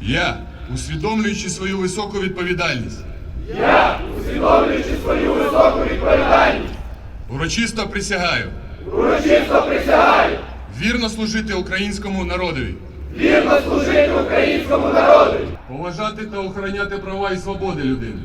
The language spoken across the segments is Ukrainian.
Я, усвідомлюючи свою високу відповідальність, урочисто присягаю вірно служити українському народові, поважати та охороняти права і свободи людини,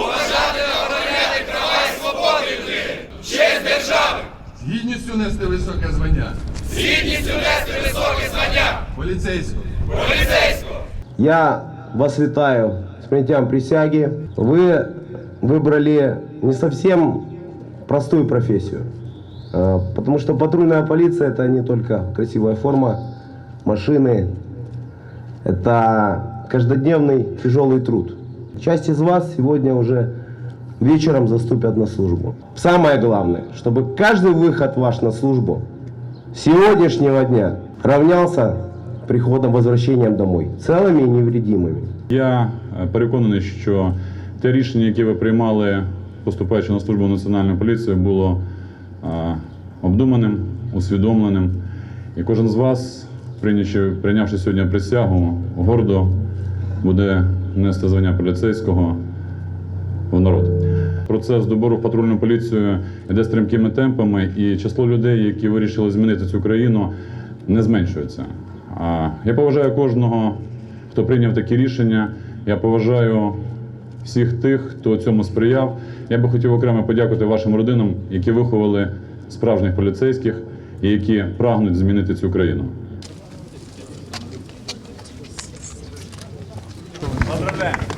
Честь держави! з гідністю нести високе звання З гідністю нести високе звання поліцейського. поліцейського! Я вас витаю с принятием присяги. Вы выбрали не совсем простую профессию, потому что патрульная полиция – это не только красивая форма, машины, это каждодневный тяжелый труд. Часть из вас сегодня уже вечером заступят на службу. Самое главное, чтобы каждый выход ваш на службу с сегодняшнего дня равнялся приходом, возвращением домой, целыми и невредимыми. Я переконаний, що те рішення, яке ви приймали, поступаючи на службу в Національної поліції, було обдуманим, усвідомленим. І кожен з вас, прийнявши сьогодні присягу, гордо буде нести звання поліцейського в народ. Процес добору в патрульну поліцію йде стрімкими темпами, і число людей, які вирішили змінити цю країну, не зменшується. Я поважаю кожного, хто прийняв такі рішення. Я поважаю всіх тих, хто цьому сприяв. Я би хотів окремо подякувати вашим родинам, які виховали справжніх поліцейських і які прагнуть змінити цю країну. Поздравляємо!